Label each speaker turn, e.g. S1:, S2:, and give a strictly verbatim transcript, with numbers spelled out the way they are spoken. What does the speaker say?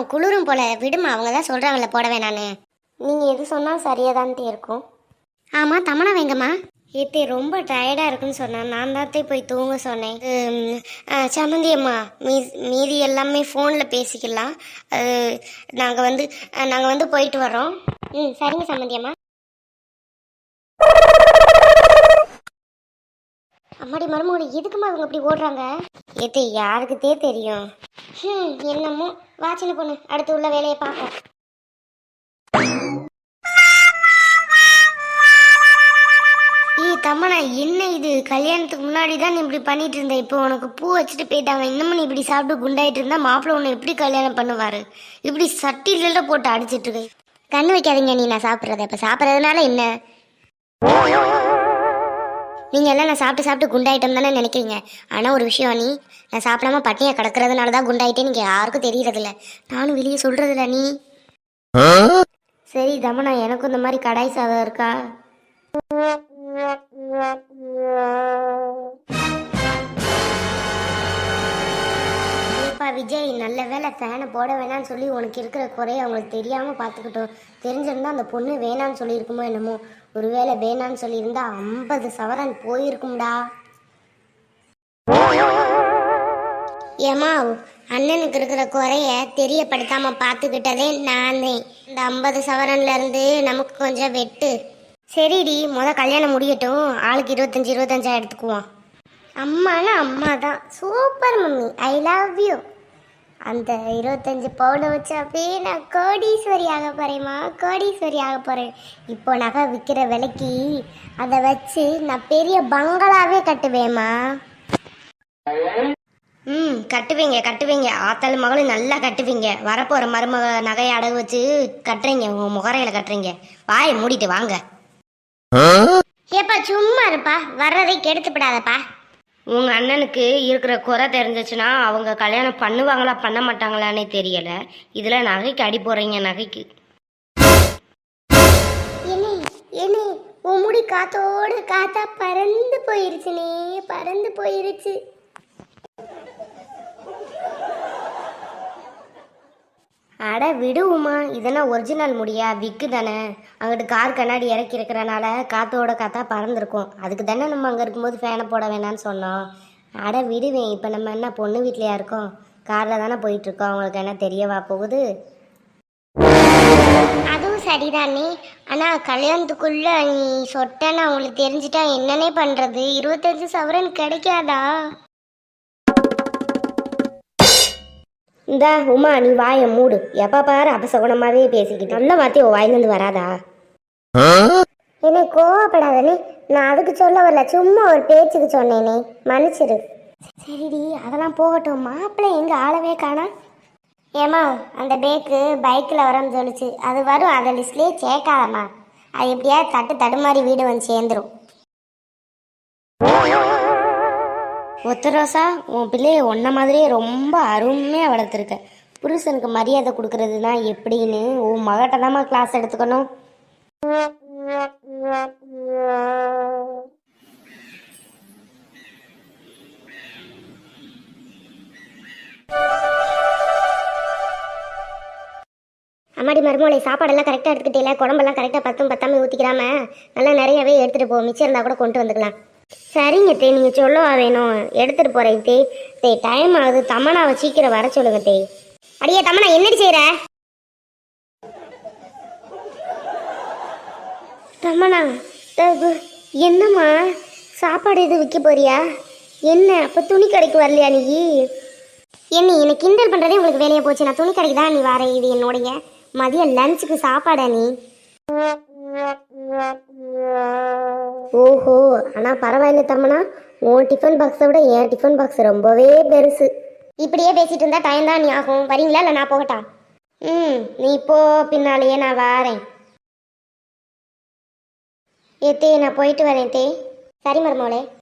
S1: குளிரும் போல விடுமா, அவங்க தான் சொல்கிறாங்கல்ல போட வேணான்னு. நீங்கள் எது சொன்னால் சரியாக தான்ட்டு இருக்கும். ஆமாம், தமனா வேங்கம்மா. ஏத்தே ரொம்ப டயர்டாக இருக்குன்னு சொன்னேன், நான் தாத்தே போய் தூங்க சொன்னேன். சம்மந்தி அம்மா, மீ மீதி எல்லாமே ஃபோனில் பேசிக்கலாம். நாங்கள் வந்து நாங்கள் வந்து போயிட்டு வரோம். ம் சரிங்க சம்மந்தி அம்மா. அம்மாடி மருமகனை எதுக்குமா அவங்க அப்படி ஓடுறாங்க? ஏத்தே யாருக்குத்தே தெரியும். ம் என்னமோ வா சின்ன பொண்ணு, அடுத்து உள்ள வேலையை பார்ப்போம். ஏய் தம்மனா, என்ன இது? கல்யாணத்துக்கு முன்னாடி தான் நீ இப்படி பண்ணிட்டு இருந்த, இப்போ உனக்கு பூ வச்சுட்டு போயிட்டாங்க, இன்னமும் நீ இப்படி சாப்பிட்டு குண்டாயிட்டு இருந்தா மாப்பிள்ளை உன்னை எப்படி கல்யாணம் பண்ணுவாரு? இப்படி சட்டில போட்டு அடிச்சிட்டு இருக்கு. கண்ணு வைக்காதீங்க நீ, நான் சாப்பிட்றத இப்போ சாப்பிட்றதுனால என்ன? நீங்கள் எல்லாம் நான் சாப்பிட்டு சாப்பிட்டு குண்டாயிட்டம் தானே நினைக்கிறீங்க. ஆனால் ஒரு விஷயம், நீ நான் சாப்பிடாம பட்டினியை கிடக்கிறதுனால தான் குண்டாயிட்டே நீங்கள் யாருக்கும் தெரியறதில்ல. நானும் வெளியே சொல்கிறதில்ல. நீ சரி தமனா, எனக்கும் இந்த மாதிரி கடாய் சாதம் இருக்கா? விஜய், நல்ல வேலை ஃபேனை போட வேணான்னு சொல்லி உனக்கு இருக்கிற குறைய அவங்களுக்கு தெரியாமல் பார்த்துக்கிட்டோம். தெரிஞ்சிருந்தா அந்த பொண்ணு வேணான்னு சொல்லியிருக்குமோ என்னமோ. ஒருவேளை வேணான்னு சொல்லியிருந்தா ஐம்பது சவரன் போயிருக்கும்டா. ஏமா, அண்ணனுக்கு இருக்கிற குறைய தெரியப்படுத்தாம பார்த்துக்கிட்டதே நானே. இந்த ஐம்பது சவரன்ல இருந்து நமக்கு கொஞ்சம் வெட்டு. சரிடி, முத கல்யாணம் முடியட்டும், ஆளுக்கு இருபத்தஞ்சி இருபத்தஞ்சா எடுத்துக்குவோம். அம்மானா அம்மா தான். Super mummy, I love you. அந்த இருபத்தஞ்சி பவுனை வச்சு அப்படியே நான் கோடீஸ்வரி ஆக போகிறேம்மா, கோடீஸ்வரி ஆக போகிறேன். இப்போ நகை விற்கிற விலைக்கு அதை வச்சு நான் பெரிய பங்களாவே கட்டுவேம்மா. ம் கட்டுவீங்க கட்டுவீங்க, ஆத்தாள் மகளும் நல்லா கட்டுவீங்க. வரப்போகிற மருமக நகையை அடகு வச்சு கட்டுறீங்க, உங்கள் முகரையில் கட்டுறீங்க. வாயை மூடிட்டு வாங்க. ஏப்பா சும்மா இருப்பா, வர்றதை கெடுத்துப்படாதப்பா. உங்கள் அண்ணனுக்கு இருக்கிற குறை தெரிஞ்சிச்சுன்னா அவங்க கல்யாணம் பண்ணுவாங்களா பண்ண மாட்டாங்களான்னே தெரியலை. இதில் நகைக்கு அடி போடுறீங்க. நகைக்கு என்ன என்ன உன் முடி காத்தோடு காத்தா பறந்து போயிருச்சுனே, பறந்து போயிருச்சு. அட விடுவோமா, இதெல்லாம் ஒரிஜினல் முடியா? விக்கு தானே, அங்கிட்டு கார் கண்ணாடி இறக்கி இருக்கிறனால காத்தோட காத்தா பறந்துருக்கும். அதுக்கு தானே நம்ம அங்கே இருக்கும்போது ஃபேனை போட வேணான்னு சொன்னோம். அட விடுவேன், இப்போ நம்ம என்ன பொண்ணு வீட்லையா இருக்கோம்? காரில் தானே போயிட்டுருக்கோம், அவங்களுக்கு என்ன தெரியவா போகுது? அதுவும் சரிதானே. ஆனால் கல்யாணத்துக்குள்ளே நீ சொட்டன்னு அவங்களுக்கு தெரிஞ்சிட்டா என்னன்னே பண்ணுறது? இருபத்தஞ்சு சவரன் கிடைக்காதா? இந்த உமா, நீ வாயை மூடு. எப்ப பாரு அபசகுணமாவே பேசிக்கிட்டு நல்ல வார்த்தை உன் வாயிலிருந்து வராதா? என்னை கோவப்படாதே, நான் அதுக்கு சொல்ல வரல, சும்மா ஒரு பேச்சுக்கு சொன்னேனே, மன்னிச்சிரு. சரிடி, அதெல்லாம் போகட்டும். மாப்பிள்ளை எங்க ஆளவே காணா? ஏமா, அந்த பேக்கு பைக்கில் வரன்னு சொல்லிச்சு, அது வரும், அந்த லிஸ்ட்லேயே சேர்க்காதம்மா. அது எப்படியா தட்டு தடுமாறி வீடு வந்து சேர்ந்துடும். ஒத்த ரோசா, உன் பிள்ளைய ஒன்ன மாதிரியே ரொம்ப அருமையாக வளர்த்துருக்க. புருஷனுக்கு மரியாதை கொடுக்கறதுனா எப்படின்னு உன் மகட்ட தாம்மா கிளாஸ் எடுத்துக்கணும். அம்மாடி மருமோளை, சாப்பாடெல்லாம் கரெக்டாக எடுத்துக்கிட்டே, குழம்பெல்லாம் கரெக்டாக பத்தும் பத்தாமல் ஊற்றிக்கிறாம நல்லா நிறையவே எடுத்துகிட்டு போ. மிச்சம் இருந்தால் கூட கொண்டு வந்துக்கலாம். சரிங்க தே, நீங்கள் சொல்லவா வேணும், எடுத்துகிட்டு போகிறேன் தே. தே டைம் ஆகுது, தமனாவை சீக்கிரம் வர சொல்லுங்க தே. அடியே தமனா, என்னடி செய்கிற? தமனா, என்னம்மா சாப்பாடு எதுவும் விற்க போறியா என்ன? அப்போ துணி கடைக்கு வரலையா நீ? என்ன என்னை கிண்டல் பண்ணுறதே உங்களுக்கு வேலையை போச்சு. நான் துணி கடைக்கு தான் நீ வர. இது என்னுடைய மதிய லஞ்சுக்கு சாப்பாடா நீ? ஓஹோ, ஆனால் பரவாயில்ல தம்மனா, உன் டிஃபன் பாக்ஸை விட என் டிஃபன் பாக்ஸ் ரொம்பவே பெருசு. இப்படியே பேசிட்டு இருந்தா டைம் தான் நீ ஆகும். வரீங்களா இல்லை நான் போகட்டா? ம் நீ போ, பின்னாலேயே நான் வாரேன். ஏ தே, நான் போயிட்டு வரேன் தே. சரி மருமோளே.